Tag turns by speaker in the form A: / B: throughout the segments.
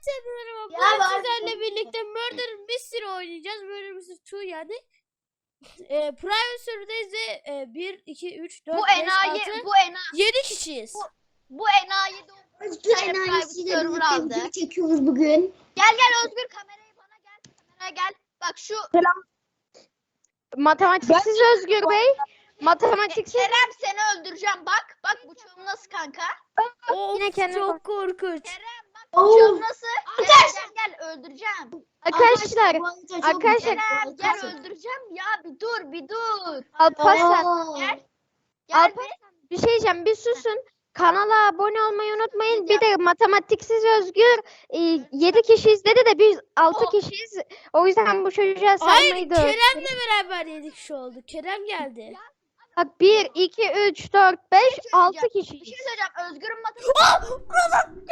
A: Merhaba.
B: Ya
A: Bugün
B: ben-
A: sizlerle birlikte Murder Mystery oynayacağız. Murder Mystery 2 yani. Private server'dayız ve 1, 2, 3, 4, 5, 6, 7 kişiyiz.
B: Bu enayi de
C: Özgür enayisiyle birlikte video çekiyoruz bugün.
B: Gel Özgür, kamerayı bana gel. Kameraya gel. Bak şu
D: Matematiksiz Özgür Bey. Matematiksiz.
B: Kerem, seni öldüreceğim. Bak bıçağım nasıl kanka?
A: Of,
D: Yine kendine
A: çok
D: bak.
A: korkunç.
B: Kerem bak bıçağım nasıl? Gel öldüreceğim.
D: Arkadaşlar.
C: bu arada çok
D: arkadaşlar,
C: güzel
B: Kerem gel
C: korkunç.
B: öldüreceğim ya, bir dur.
D: Alparslan.
C: Oo.
B: Gel
D: Alparslan, bir şey diyeceğim. Bir susun. Kanala abone olmayı unutmayın. Bir de matematiksiz Özgür 7 kişi izledi de biz 6 kişiyiz. O yüzden bu çocuğa
A: Hayır,
D: saymayı da
A: Kerem'le beraber 7 kişi oldu. Kerem geldi.
D: Bak 1, 2, 3, 4, 5, 6
B: Bir
D: kişiyiz.
B: şey söyleyeceğim. Özgür'ün matematik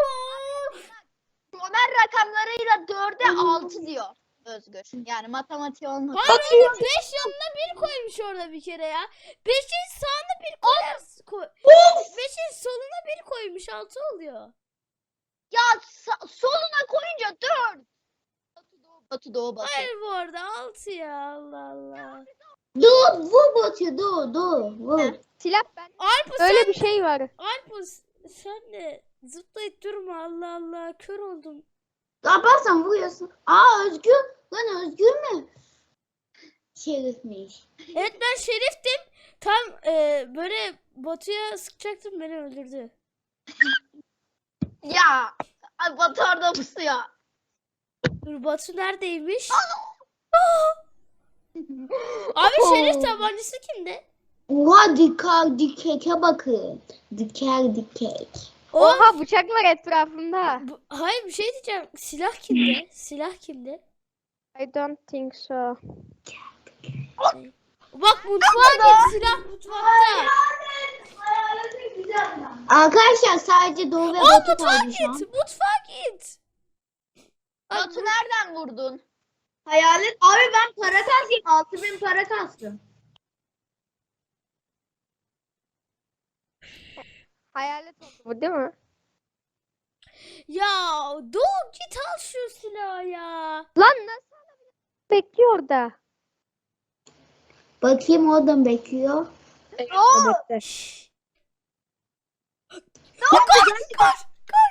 B: Ömer rakamlarıyla 4'e 6 diyor Özgür. Yani matematiği olmadı.
A: Hayır oğlum, 5 yanına 1 koymuş orada bir kere ya. 5'in sağına 1 koy. 5'in soluna 1 koymuş, 6 oluyor.
B: Ya soluna koyunca 4. Batı doğu.
A: Hayır bu arada 6 ya, Allah Allah.
C: Dur vur Batu dur vur.
D: Silah ben.
A: Alp
D: Öyle bir şey var.
A: sen de zıplayıp durma, Allah Allah, kör oldum.
C: Ne yaparsan vuruyorsun. Aa Özgür. Lan Özgür mü? Şerifmiş.
A: Evet, ben şeriftim. Tam böyle Batu'ya sıkacaktım, beni öldürdü.
B: Ya Batı orada pusuyor.
A: Dur, Batu neredeymiş? Abi şerif tabancası kimde?
C: Oha dikeke bakın. Dikek.
D: Oha bıçak var etrafında.
A: Hayır, bir şey diyeceğim. Silah kimde? Silah kimde?
D: I don't think so.
A: Bak, mutfağa git, silah mutfakta.
C: Arkadaşlar sadece Doğu ve
A: Aa,
C: Batu
A: mutfağa
C: kaldı şu an.
A: git. Mutfağa git.
B: Batı nereden vurdun?
C: Hayalet. Abi ben para kastım. 6000 para kastım.
D: Hayalet oldu bu değil mi?
A: Ya Doğu, git al şu silahı ya.
D: Lan nasıl bekliyor orada?
C: Bakayım oradan bekliyor.
A: Şşş. Koş.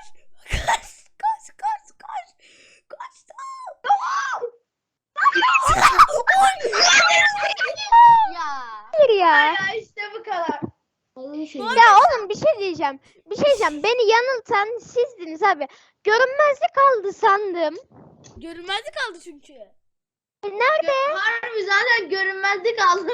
B: Ya.
D: Hayır ya.
B: İşte bu kadar.
D: Ya oğlum bir şey diyeceğim. Beni yanıltan sizdiniz abi. Görünmezlik kaldı sandım.
A: Görünmezlik kaldı çünkü.
D: Nerede?
C: Harbi zaten görünmezlik aldı.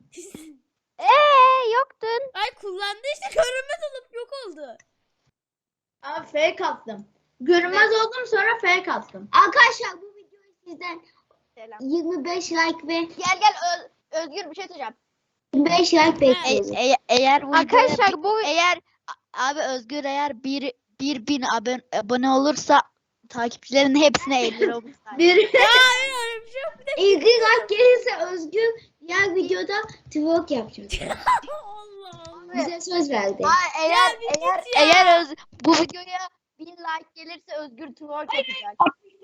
D: Yoktun.
A: Ay, kullandı işte, görünmez olup yok oldu.
C: Abi fake attım. Görünmez oldum sonra fake attım. Arkadaşlar bu videoyu sizden
B: Selam.
C: 25 like ve
B: Gel Özgür, bir şey söyleyeceğim.
C: 25 like bekliyoruz.
B: Eğer bu
D: Arkadaşlar bu
B: abi Özgür eğer 1000 abone olursa takipçilerin hepsine 50 lira olur.
C: Bir
A: Hayır, öyle bir şey yok. Bir de
C: 50 like gelirse Özgür diğer videoda twerk yapacak.
A: Allah Allah.
C: Bize söz verdi.
B: Eğer bu videoya 1000 like gelirse Özgür twerk yapacak.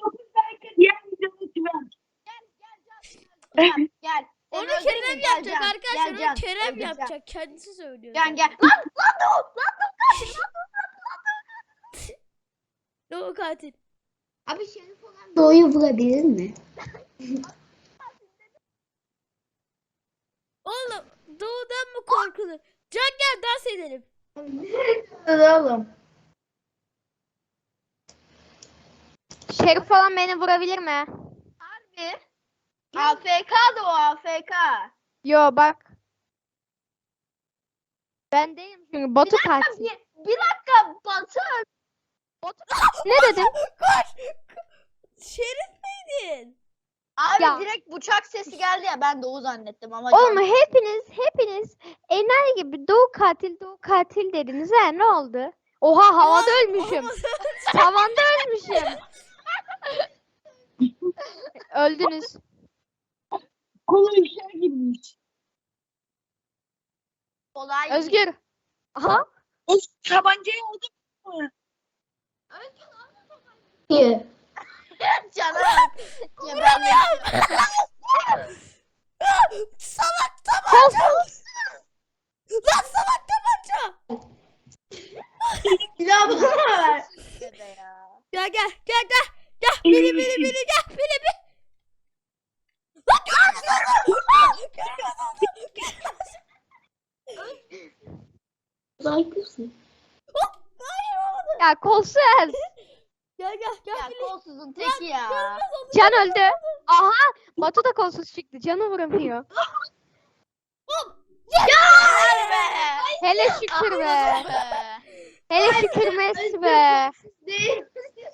B: Gel.
A: Onu
B: Seni
A: Kerem
B: öldüreyim mi?
A: yapacak
B: Gel,
A: arkadaşlar.
B: gel,
A: Onu Kerem
B: öldüreceğim.
A: yapacak. Kendisi söylüyor.
B: Gel. Lan
A: Doğu katil.
C: Abi Şerif olan Doğu'yu vurabilir mi?
A: Oğlum, Doğu'dan mı korkulur? Can, gel dans edelim.
C: Oğlum.
D: Şerif falan beni vurabilir mi?
B: harbi. AFK'dı o, AFK.
D: Yo bak. Ben değilim çünkü Batu katil.
B: Bir dakika Batı.
D: Ne dedim?
A: Koş. Şerif miydin?
B: Abi
D: Ya.
B: direkt bıçak sesi geldi ya, ben Doğu zannettim ama.
D: Oğlum hepiniz enayi gibi Doğu katil dediniz ha, ne oldu? Oha havada ölmüşüm. Tavanda ölmüşüm. Öldünüz.
C: Kolu işe girmiş.
B: Kolay.
D: Özgür. Aha.
C: O tabancayı aldın mı? ki.
B: Cana bak. Gebermek.
A: Salak tabanca. Lan salak tabanca.
C: Silah bana ver.
A: Gel gel gel gel. Gel biri gel biri. Lan
C: Zayıfsın.
A: hayır olmadı.
D: Ya kolsuz.
A: Gel
B: Ya
A: biri.
B: kolsuzun teki ya.
D: Can öldü. Aha. Batu da kolsuz çıktı. Canı vuramıyor.
B: Helal be.
D: Hele şükür be.
B: Be.
D: Hele şükür Messi be.
C: Değil.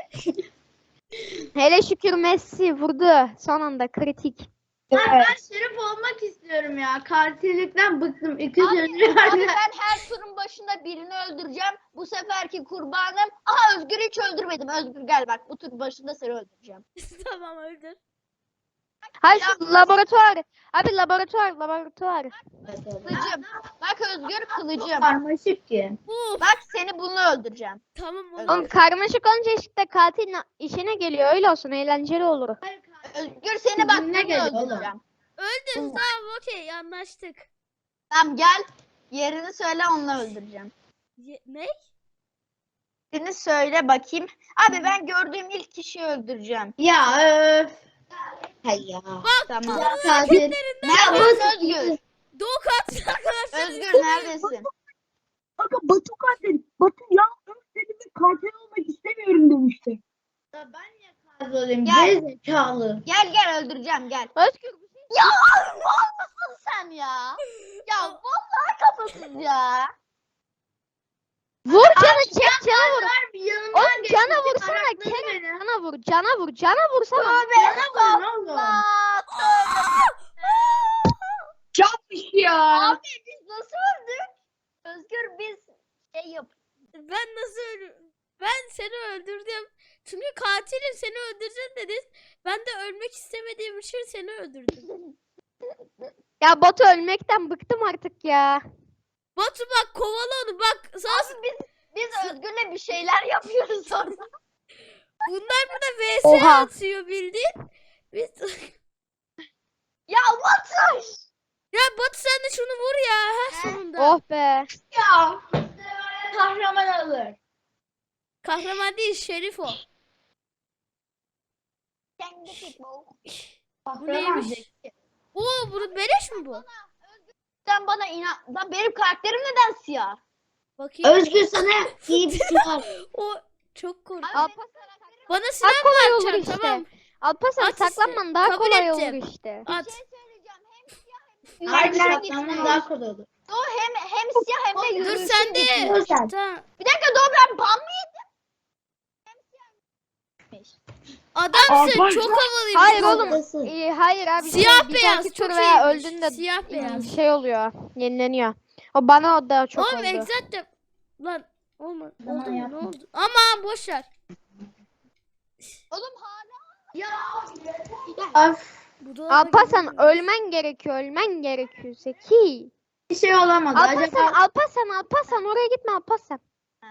D: Hele şükür Messi vurdu. Son anda kritik.
C: Ben şerif olmak istiyorum ya. Katillikten bıktım. İki
B: Abi
C: sözü
B: ben her turun başında birini öldüreceğim. Bu seferki kurbanım. Aha Özgür'ü hiç öldürmedim. Özgür gel bak bu tur başında seni öldüreceğim.
A: Tamam öldür.
D: Hayır şu laboratuvar. Abi laboratuvar.
B: Kılıcım. Bak Özgür kılıcım.
C: Karmaşık ki.
A: Uf.
B: Bak seni bununla öldüreceğim.
A: Tamam
B: Oğlum,
D: Oğlum karmaşık olunca işte katil işine geliyor. Öyle olsun eğlenceli olur.
B: Özgür seni bak
C: Sizinle
B: bununla
C: geliyor oğlum.
B: öldüreceğim.
A: Öldür tamam okey anlaştık.
B: Tamam gel. Yerini söyle onunla öldüreceğim.
A: Ne?
B: Yerini söyle bakayım. Abi ben gördüğüm ilk kişiyi öldüreceğim.
C: Ya öf. Hay ya.
B: Tamam.
C: Ya katil.
B: Neredesin Özgür?
A: Doğu katil arkadaşlar.
B: Özgür neredesin?
E: Kanka Batu katil. Batu ya seninle katil olmak istemiyorum demişti.
C: Ya ben niye katil olayım?
B: Gel.
C: Gerizekalı.
B: Gel öldüreceğim gel.
D: Özgür
B: Ya abi mal mısın sen ya? Ya vallahi kafasız ya.
D: vur canı çek canı vur.
C: Ver bir yanımdan
D: Oğlum
C: geçti,
D: cana vursana
C: arakladı
D: Kerem.
C: beni.
D: Cana vursana.
C: Bana vurun oğlum.
B: Aa,
E: Çarpmış ya.
B: abi biz nasıl öldük? Özgür biz şey yap.
A: Ben nasıl Ben seni öldürdüm. Çünkü katilim seni öldüreceğim dedin. Ben de ölmek istemediğim için seni öldürdüm.
D: Ya Batu ölmekten bıktım artık ya.
A: Batu bak kovala onu bak. Sana...
B: Abi biz Özgür'le bir şeyler yapıyoruz orada.
A: Bunlar burada vs
D: Oha.
A: atıyor bildiğin. Biz...
B: Ya Batuş.
A: ya Batu sen de şunu vur ya. Ha sonunda.
D: Oh be.
C: Ya. Kahraman alır.
A: Kahraman değil şerif o.
B: Kendi futbol.
C: Kahraman
A: neymiş?
C: zeki.
A: Oo bunu beleş mi bu?
B: Sen bana inan. Lan benim karakterim neden siyah?
A: Bakayım.
C: Özgür sana iyi bir şey var.
A: O çok korkunç.
D: Alparslan
A: Bana
D: daha
A: silah mı
D: kolay olur
A: atacaksın
D: işte.
A: tamam.
D: Alparslan
A: At işte.
D: saklanman daha
A: Kabul
D: kolay
A: ettim.
D: olur işte.
A: At.
B: Bir şey söyleyeceğim. Hem siyah hem de
C: Harbi
B: yürüyüşe
C: saklanman
B: gitsin.
C: daha kolay olur.
B: Doğu hem siyah hem de
A: Dur
B: yürüyüşe
A: sen de.
B: gitsin.
C: Dur sen.
A: Tamam.
B: Bir dakika Doğu ben ban mı yedim?
A: Adamsın
E: Aa,
A: çok havalıyım.
D: Hayır oğlum.
C: Haklısın.
D: Hayır abi.
A: Siyah
D: bir
A: beyaz
D: dahaki
A: çok
D: tur veya
A: iyiymiş.
D: öldüğünde
A: Siyah beyaz.
D: şey oluyor. Yenileniyor. O bana o da çok
A: Oğlum
D: oldu.
A: exact'te. Lan olmadı.
C: Tamam,
A: Oldu mu? Ne
C: yapma.
A: oldu? Aman boş ver.
B: Oğlum hala.
C: Ya. Of.
A: Bu da
D: Alparslan ölmen gerekiyor Zeki.
C: Bir şey olamadı.
D: Alparslan oraya gitme Alparslan.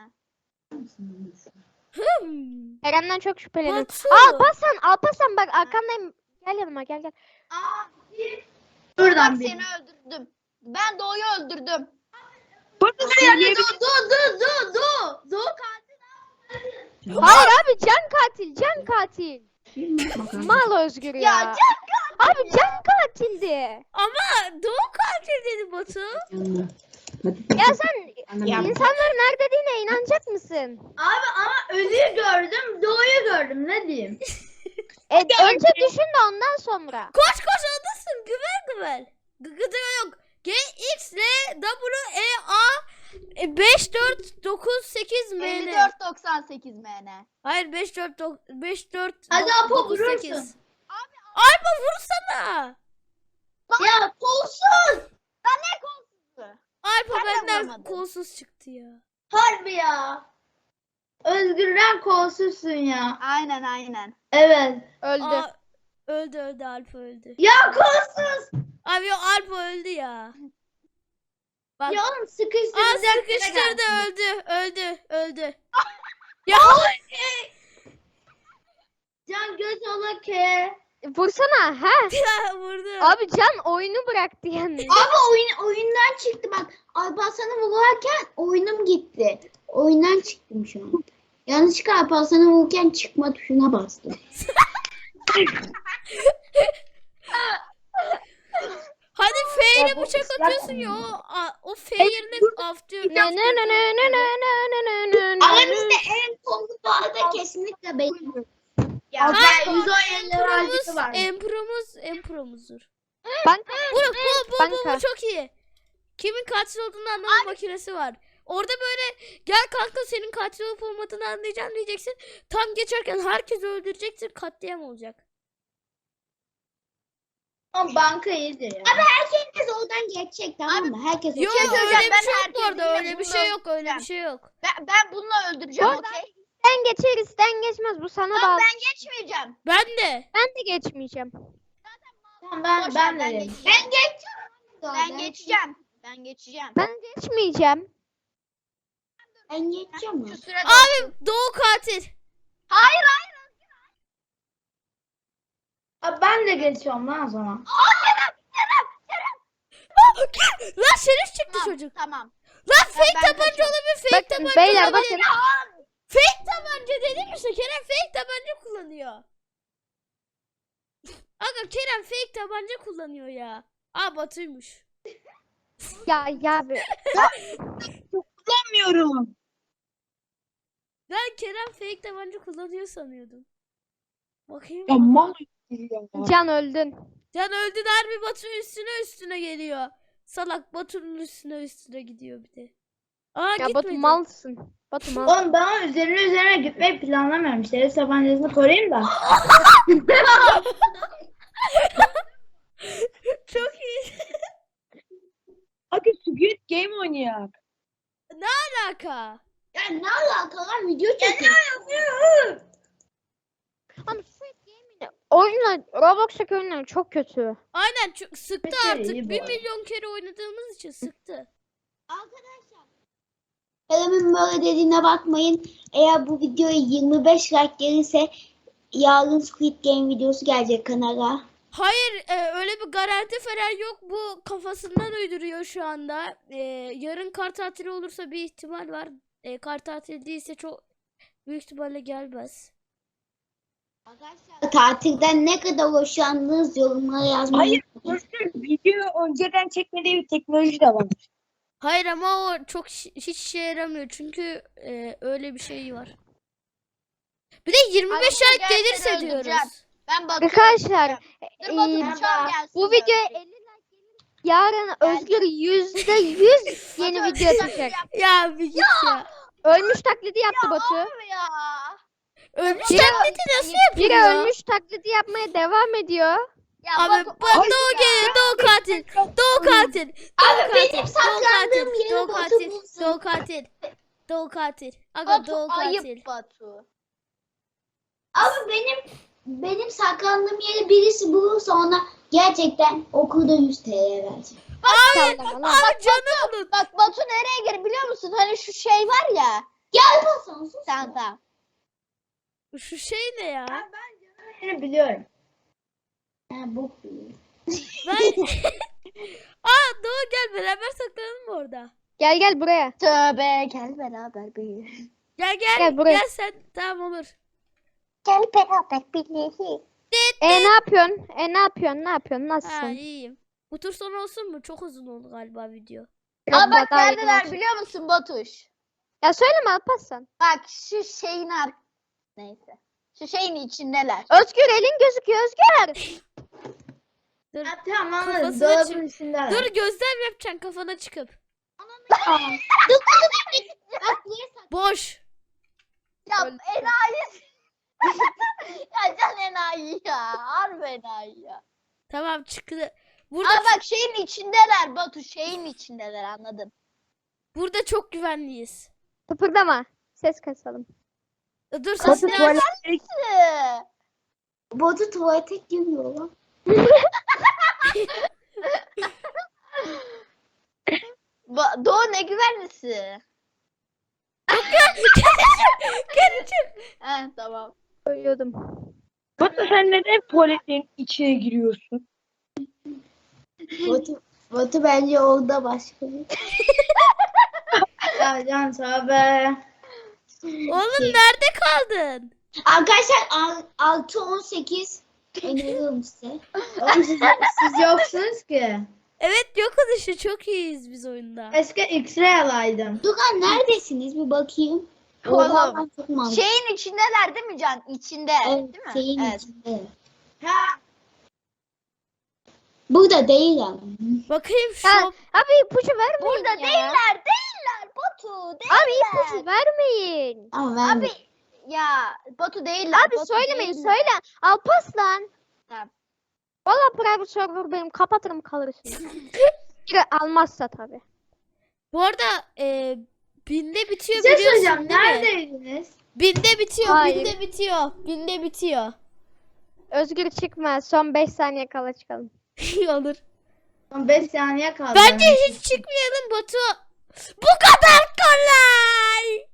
D: Kerem'den çok şüpheleniyorum.
A: Batu.
D: Alparslan bak arkandayım. Gel yanıma gel.
C: Buradan
B: Bak
C: bir.
B: seni öldürdüm. Ben Doğu'yu öldürdüm.
E: Batu söyleyebilir.
C: Dur katil.
D: Hayır abi can katil. Mal Özgür ya.
B: Ya
D: Abi can katildi.
A: Ama Doğu katil dedi Batu.
D: Ya sen insanların her dediğine inanacak mısın?
C: Abi ama ölüyü gördüm, doğuyu gördüm. Ne diyeyim?
D: Önce düşün de ondan sonra.
A: Koş oradasın. Güvel. Gıgıdı yok. G, X, L, W, E, A 5, 4, 9, 8 M, N.
B: 54.98 MN.
A: Hayır 5, 4,
C: Hadi Apo
A: 9,
C: vurursun.
A: 8. Alpa vursana.
C: Ya kolsuz.
A: Alpa
B: Ben de
A: benden
B: vuramadım.
A: kolsuz çıktı ya.
C: Harbi ya. Özgürden kolsuzsun ya.
B: Aynen.
C: Evet.
D: Öldü.
A: Aa, öldü Alpa öldü.
C: Ya kolsuz.
A: Abi yok Alpa öldü ya. Bak.
C: Ya oğlum
A: Aa
C: sıkıştıracak.
A: sıkıştırdı öldü. Ya
C: sola K.
D: Vursana ha.
A: Ya vurdu.
D: Abi Can oyunu bıraktı yani.
C: Abi oyundan çıktı bak. Alparslan'a vurarken oyunum gitti. Oyundan çıktım şu an. Yanlışlıkla Alparslan'a vururken çıkma tuşuna bastım.
A: Hadi F ile
E: Ya bu
A: bıçak
E: ıslak
A: atıyorsun ya. O F yerine af diyor.
D: Ne ne ne ne ne ne ne ne ne ne.
C: Aramızda en komik bu arada kesinlikle benim. Ya
A: Hayır,
C: ben 117 lira harcısı var.
A: Empromuzdur.
D: Banka.
A: Bu
D: Banka.
A: çok iyi. Kimin katil olduğunu anlama makinesi var. Orada böyle gel kanka senin katil olup olmadığını anlayacağım diyeceksin. Tam geçerken herkesi öldüreceksin, katliam olacak.
C: Ama banka iyidir ya. Abi herkes oradan geçecek tamam mı? Herkes
A: Yok
B: şey
A: öyle
B: söyleyeceğim,
A: bir
B: ben
A: şey yok bu arada.
B: herkesi
A: Öyle bir
B: yine
A: şey
B: bunu
A: yok. Öyle bir şey yok.
B: Ben bununla öldüreceğim
D: Oradan
B: okey.
D: Sen geçer isten geçmez bu sana
B: Tamam
D: bağlı.
B: ben geçmeyeceğim.
A: Ben de.
D: Ben de geçmeyeceğim.
C: Tamam ben
B: Boş
C: ben
B: ver,
C: de.
B: geçeceğim.
C: Ben geçeceğim.
B: Ben geçeceğim. Ben geçeceğim.
D: Ben geçmeyeceğim.
C: Ben geçeceğim.
B: Şu sürede
A: Abi Doğu katil.
B: Hayır.
C: Abi ben de geçiyorum lan o zaman.
A: Lan şerif çıktı
B: Tamam,
A: çocuk.
B: tamam.
A: Lan fake
B: ben
A: tabanca
B: kaçıyorum.
A: olabilir. Fake
D: Bakın
A: tabanca
D: beyler
A: olabilir.
D: bakın.
A: Fake tabanca dedim işte. Kerem fake tabanca kullanıyor. Aga Kerem fake tabanca kullanıyor ya. Aa Batu'ymuş.
D: Ya abi.
E: Kullanmıyorum.
A: Ben Kerem fake tabanca kullanıyor sanıyordum. Bakayım.
E: Ya mal ya.
D: Can öldün.
A: Can öldü harbi Batu üstüne geliyor. Salak Batu'nun üstüne gidiyor bir de. Aa
D: Ya
A: gitmedi.
D: Batu malsın. Batu mal.
C: Oğlum ben üzerine gitmeyi planlamıyorum. Şerif tabancasını koruyayım da.
A: Çok iyi.
E: Hadi Squid Game oynayak.
A: Alaka.
C: Ya ne alaka lan video çekiyor.
D: Ama Squid Game'in oyunlar Roblox'taki oyunlar çok kötü.
A: Aynen çok sıktı
C: Peki,
A: artık.
C: iyi bu
A: 1
C: arada.
A: milyon kere oynadığımız için sıktı.
C: Arkadaşlar. Kerem'in böyle dediğine bakmayın. Eğer bu videoya 25 like gelirse yarın Squid Game videosu gelecek kanala.
A: Hayır öyle bir garanti falan yok. Bu kafasından uyduruyor şu anda. Yarın kar tatili olursa bir ihtimal var. Kar tatili değilse çok büyük ihtimalle gelmez.
C: Arkadaşlar tatilden ne kadar hoşlandınız yorumlara yazmayı.
E: Hayır, video önceden çekmediği bir teknoloji de var.
A: Hayır ama o çok hiç işe yaramıyor. Çünkü öyle bir şey var. Bir de 25
B: Abi
A: like
B: gerçekten
A: gelirse
B: öldüreceğim.
A: diyoruz.
B: Ben Batu'yu
D: Arkadaşlar
B: Dur Batu
D: iyi.
B: bıçağım gelsin.
D: Bu videoya 50 like gelir. Yarın Özgür %100 yeni
B: Batu,
D: video
B: bıçak
D: atacak.
B: yap.
A: Ya bir git ya.
D: Ölmüş taklidi yaptı Batu.
B: Abi ya.
A: Ölmüş
D: Biri-
A: taklidi nasıl
D: Biri
A: yapıyor?
D: ölmüş taklidi yapmaya devam ediyor.
B: Ya
A: Abi
B: Batu,
A: bak Doğu geliyor. Doğu katil. Doğu katil.
C: Abi benim saklandığım
A: Doğu
C: yeri Batu
A: katil.
C: bulsun.
A: Doğu katil. Doğu katil. Aga
B: Batu
A: Doğu katil.
B: ayıp Batu.
C: Abi benim saklandığım yeri birisi bulursa ona gerçekten okulda 100 TL vereceğim.
D: Sallama lan.
A: Abi canım unut.
B: Bak Batu nereye gir biliyor musun? Hani şu şey var ya.
C: Gel bakalım sus.
B: Tamam.
A: Şu şey ne ya?
C: Seni biliyorum. Ha bok biliyorum.
A: Ben... Aa Doğu gel beraber saklanalım mı orada?
D: Gel buraya.
B: Tövbe gel beraber büyüyelim.
A: Gel
D: Gel buraya.
A: Gel sen. Tamam olur.
B: Gel beraber büyüyelim.
D: Ne yapıyorsun? Ne yapıyorsun? Ne yapıyorsun?
A: Ha
D: Nasılsın?
A: iyiyim. Bu tur sonu olsun mu? Çok uzun oldu galiba video.
D: Biraz
B: Aa bak
D: daha
B: neredeler
D: yakın olsun.
B: biliyor musun Batuş?
D: Ya söyleme Alparslan.
B: Bak şu şeyin neyse. Şu şeyin içindeler.
D: Özgür elin gözüküyor Özgür.
A: Dur.
C: Ha tamam anladım.
A: Kafasını
C: Dolabın üstünde.
A: Dur gözlem yapacaksın kafana çıkıp.
C: Bak niye
A: Boş.
B: Ya
D: Öldü.
B: enayi. Ya can enayi ya. Harbi enayi ya.
A: Tamam çıktı. Burada
B: Aa bak şeyin içindeler Batu. Şeyin içindeler anladım.
A: burada çok güvenliyiz.
D: Kıpırdama. Ses kasalım.
A: Dur
E: Batu
A: sesini aç.
E: tuvalet
C: Batu tuvalete giriyor lan.
B: Doğu ne güvenlisi?
A: Geri çık.
B: He tamam.
D: Söylüyordum.
E: Batu sen neden tuvaletin içine giriyorsun?
C: Batu bence orada başka bir. Ya Can tövbe.
A: Oğlum nerede kaldın?
C: Arkadaşlar 6-18 öneriyorum size.
F: Oğlum siz yoksunuz ki.
A: Evet yokuz işte çok iyiyiz biz oyunda.
F: Eski X-ray alaydım.
C: Dugan neredesiniz bir bakayım.
B: Oğlum,
C: Orada ben çok mantıklı.
B: Şeyin içindeler değil mi Can? İçinde.
C: Evet,
B: Değil mi?
C: şeyin
B: Evet.
C: içinde. Burada değil ama.
A: Bakayım şu
D: Ha, abi ipucu vermeyin
B: Burada
D: ya.
B: değiller Batu. Değiller.
D: Abi ipucu vermeyin.
C: Ama ben
B: Abi ya Batu değiller.
D: Abi
B: Batu
D: söylemeyin
B: değiller.
D: söyle. Alparslan.
B: Tamam.
D: Valla private server benim kapatırım kalırsınız. Biri almazsa tabii.
A: bu arada binde bitiyor
F: Bir şey
A: biliyorsun
F: söyleyeceğim.
A: değil mi?
F: Neredeydiniz?
A: Binde bitiyor,
D: Hayır.
A: binde bitiyor, binde bitiyor.
D: Özgür çıkma. Son 5 saniye kala çıkalım.
A: Olur.
F: Son 5 saniye kaldı.
A: Bence hiç çıkmayalım Batu. Bu kadar kolay.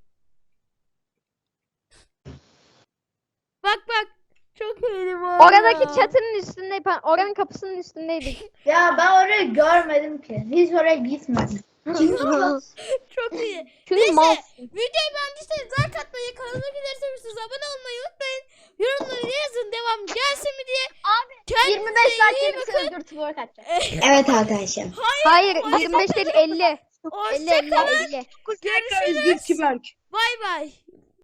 A: Bak bak. Çok iyiydi bu arada.
D: Oradaki çatının üstünde, oranın kapısının üstündeydik.
F: Ya ben orayı görmedim ki. Hiç oraya gitmedim.
A: Çok iyi.
D: Çünkü
A: Neyse.
D: mal.
A: Videoyu beğendiyseniz like atmayı, kanalıma giderseniz abone olmayı unutmayın. Yorumları yazın devam gelsin mi diye.
B: Abi
A: Kendinize
B: 25 saat
A: iyi
B: gelirse
A: bakın.
B: Özgür twerk atacak.
C: evet arkadaşlar.
D: Hayır 25 değil 50. 50 50
A: Hoşçakalın.
D: 50.
A: Görüşürüz.
E: Özgür Tüberk.
A: Bay bay.